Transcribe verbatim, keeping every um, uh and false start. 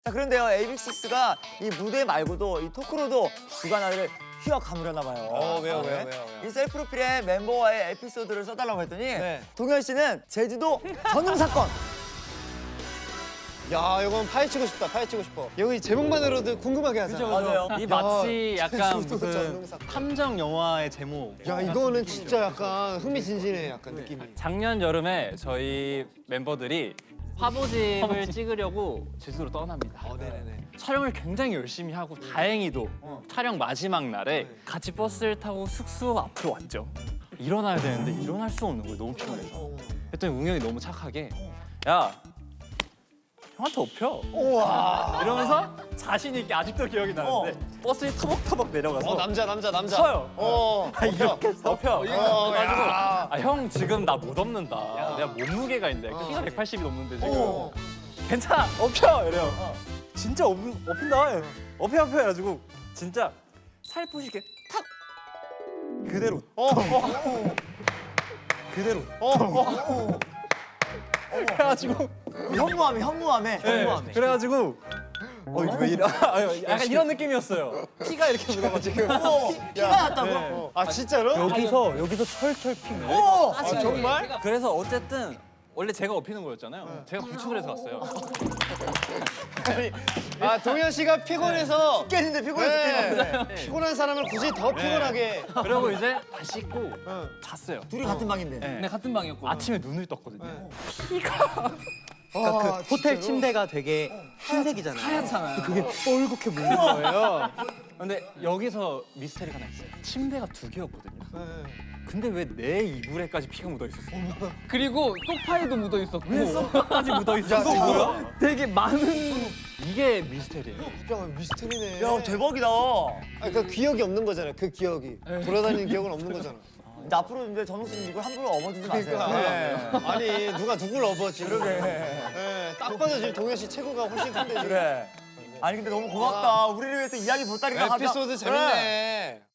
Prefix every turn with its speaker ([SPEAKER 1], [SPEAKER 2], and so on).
[SPEAKER 1] 자, 그런데요, 에이비식스가 이 무대 말고도 이 토크로도 주간화를 휘어 감으려나 봐요.
[SPEAKER 2] 어, 왜요,
[SPEAKER 1] 네.
[SPEAKER 2] 왜요, 왜요, 왜요?
[SPEAKER 1] 이 셀프 프로필에 멤버와의 에피소드를 써달라고 했더니
[SPEAKER 2] 네.
[SPEAKER 1] 동현 씨는 제주도 전용 사건.
[SPEAKER 2] 야, 이건 파헤치고 싶다, 파헤치고 싶어. 여기 제목만으로도 궁금하게 하잖아.
[SPEAKER 1] 맞아요.
[SPEAKER 3] 이 마치 약간
[SPEAKER 2] 제주도
[SPEAKER 3] 무슨
[SPEAKER 2] 전용사건.
[SPEAKER 3] 탐정 영화의 제목.
[SPEAKER 2] 야, 이거는 진짜 약간 흥미진진해, 약간 느낌이.
[SPEAKER 3] 작년 여름에 저희 멤버들이 화보집을 찍으려고 제주도로 떠납니다.
[SPEAKER 2] 어, 네네네.
[SPEAKER 3] 촬영을 굉장히 열심히 하고 다행히도 촬영 마지막 날에 같이 버스를 타고 숙소 앞으로 왔죠. 일어나야 되는데 일어날 수 없는 거예요. 너무 피곤해서. 그랬더니 웅영이 너무 착하게 야 형한테 업혀.
[SPEAKER 2] 우와.
[SPEAKER 3] 이러면서 자신 있게 아직도 기억이 나는데 버스에 터벅터벅 내려가서
[SPEAKER 2] 어, 남자, 남자, 남자.
[SPEAKER 3] 서요.
[SPEAKER 2] 어,
[SPEAKER 3] 이렇게 덮여.
[SPEAKER 2] 어,
[SPEAKER 3] 그래가지고
[SPEAKER 2] 야.
[SPEAKER 3] 아, 형 지금 나 못 업는다. 내가 몸무게가 있는데 키가 백팔십이 넘는데 지금
[SPEAKER 2] 어.
[SPEAKER 3] 괜찮아 업혀 이래요. 진짜 업, 업힌다. 업혀 업혀 해가지고 진짜 살포시게 탁 그대로
[SPEAKER 2] 어, 어,
[SPEAKER 3] 그대로
[SPEAKER 2] 어, 어.
[SPEAKER 3] 그래가지고
[SPEAKER 1] 현무암에, 현무암에,
[SPEAKER 3] 네,
[SPEAKER 1] 현무암에.
[SPEAKER 3] 그래가지고 어 이거 왜 이래? 아, 약간 이런 느낌이었어요. 피가 이렇게 묻어가지고
[SPEAKER 1] 어, 피가 났다고?
[SPEAKER 3] 네.
[SPEAKER 2] 아, 진짜로?
[SPEAKER 3] 여기서 여기서 철철 핀 거예요.
[SPEAKER 1] 어!
[SPEAKER 2] 아, 정말?
[SPEAKER 3] 그래서 어쨌든 원래 제가 업히는 거였잖아요. 제가 구축을 해서 갔어요.
[SPEAKER 2] 아, 동현 씨가 피곤해서
[SPEAKER 1] 깨는데 피곤해서
[SPEAKER 2] 네.
[SPEAKER 1] 깨는데.
[SPEAKER 2] 피곤한 사람을 굳이 더 피곤하게.
[SPEAKER 3] 그리고 이제 다 씻고
[SPEAKER 2] 응.
[SPEAKER 3] 잤어요.
[SPEAKER 1] 둘이 같은 방인데.
[SPEAKER 3] 네.
[SPEAKER 4] 네, 같은 방이었고.
[SPEAKER 3] 아침에 눈을 떴거든요.
[SPEAKER 2] 그러니까
[SPEAKER 5] 그 호텔 침대가 되게 흰색이잖아요.
[SPEAKER 4] 하얗잖아요.
[SPEAKER 5] 그게 뻘겋게 물린 거예요.
[SPEAKER 3] 근데 여기서 미스터리가 하나 있어요. 침대가 두 개였거든요.
[SPEAKER 2] 네.
[SPEAKER 3] 근데 왜 내 이불에까지 피가 묻어 있었어요?
[SPEAKER 4] 그리고 소파에도 묻어 있었고.
[SPEAKER 3] 까지 묻어 있었어. 뭐야?
[SPEAKER 4] 되게 많은
[SPEAKER 3] 이게 미스터리예요.
[SPEAKER 2] 야, 미스터리네.
[SPEAKER 1] 야, 대박이다.
[SPEAKER 2] 아, 그 기억이 없는 거잖아요. 그 기억이. 돌아다니는 기억은 없는 거잖아.
[SPEAKER 1] 근데 앞으로 이제 전웅 씨는 이걸 함부로 업어주지 마세요.
[SPEAKER 2] 그러니까. 아니, 누가 누굴 업어 지금.
[SPEAKER 1] 그러게.
[SPEAKER 2] 네, 딱 봐도 지금 동현 씨 체구가 훨씬 큰데 지금.
[SPEAKER 1] 그래. 아니 근데 너무 고맙다. 우리를 위해서 이야기 보따리가
[SPEAKER 2] 에피소드 재밌네.